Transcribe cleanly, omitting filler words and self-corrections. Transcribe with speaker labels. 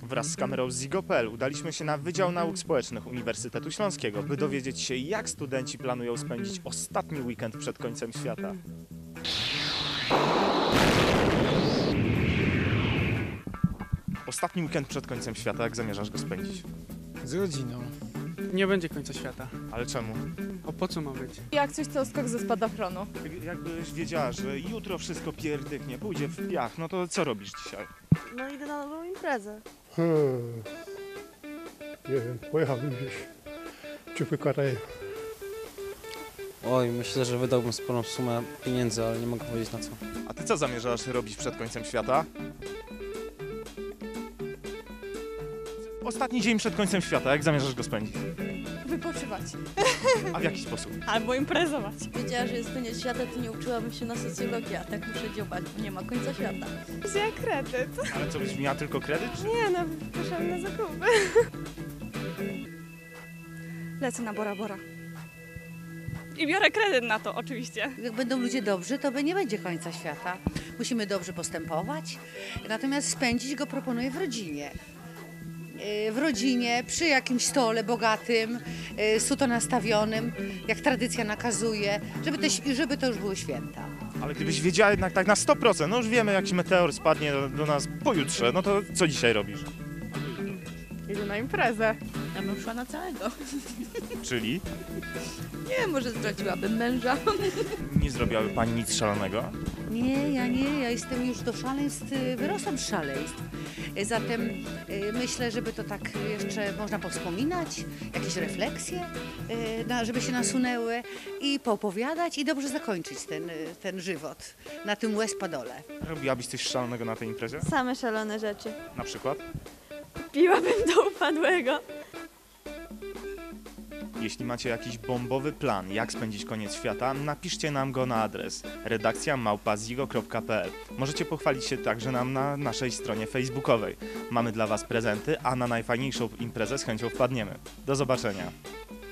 Speaker 1: Wraz z kamerą Zigo.pl udaliśmy się na Wydział Nauk Społecznych Uniwersytetu Śląskiego, by dowiedzieć się, jak studenci planują spędzić ostatni weekend przed końcem świata. Ostatni weekend przed końcem świata, jak zamierzasz go spędzić?
Speaker 2: Z rodziną.
Speaker 3: Nie będzie końca świata.
Speaker 1: Ale czemu?
Speaker 3: A po co ma być?
Speaker 4: Jak coś, to skok ze spadochronu.
Speaker 1: Jakbyś wiedziała, że jutro wszystko pierdyknie, pójdzie w piach, no to co robisz dzisiaj?
Speaker 5: No idę na nową imprezę.
Speaker 6: Nie wiem, pojechałbym gdzieś. Ciupy karaje.
Speaker 7: Oj, myślę, że wydałbym sporą sumę pieniędzy, ale nie mogę powiedzieć na co.
Speaker 1: A ty co zamierzasz robić przed końcem świata? Ostatni dzień przed końcem świata, jak zamierzasz go spędzić?
Speaker 4: Wypoczywać.
Speaker 1: A w jaki sposób?
Speaker 4: Albo imprezować.
Speaker 5: Wiedziała, że jest koniec świata, to nie uczyłabym się na socjologii, a tak muszę dziobać, bo nie ma końca świata.
Speaker 4: Wzięła kredyt.
Speaker 1: Ale co, byś miała tylko kredyt? Czy...
Speaker 4: Nie no, poszłam na zakupy. Lecę na Bora Bora. I biorę kredyt na to, oczywiście.
Speaker 8: Jak będą ludzie dobrzy, to nie będzie końca świata. Musimy dobrze postępować, natomiast spędzić go proponuję w rodzinie. W rodzinie, przy jakimś stole bogatym, suto nastawionym, jak tradycja nakazuje, żeby to już były święta.
Speaker 1: Ale gdybyś wiedziała jednak tak na 100%, no już wiemy, jaki meteor spadnie do nas pojutrze, no to co dzisiaj robisz?
Speaker 4: Idę na imprezę.
Speaker 5: Ja bym szła na całego.
Speaker 1: Czyli
Speaker 5: Nie, może zdradziłabym męża.
Speaker 1: nie zrobiłaby pani nic szalonego?
Speaker 8: Nie, ja jestem już do szaleństw, wyrosłam z szaleństw. Zatem myślę, żeby to tak jeszcze można powspominać, jakieś refleksje, żeby się nasunęły i poopowiadać i dobrze zakończyć ten żywot na tym łez padole.
Speaker 1: Robiłabyś coś szalonego na tej imprezie?
Speaker 5: Same szalone rzeczy.
Speaker 1: Na przykład?
Speaker 5: Piłabym do upadłego.
Speaker 1: Jeśli macie jakiś bombowy plan, jak spędzić koniec świata, napiszcie nam go na adres redakcja@zigo.pl. Możecie pochwalić się także nam na naszej stronie facebookowej. Mamy dla Was prezenty, a na najfajniejszą imprezę z chęcią wpadniemy. Do zobaczenia.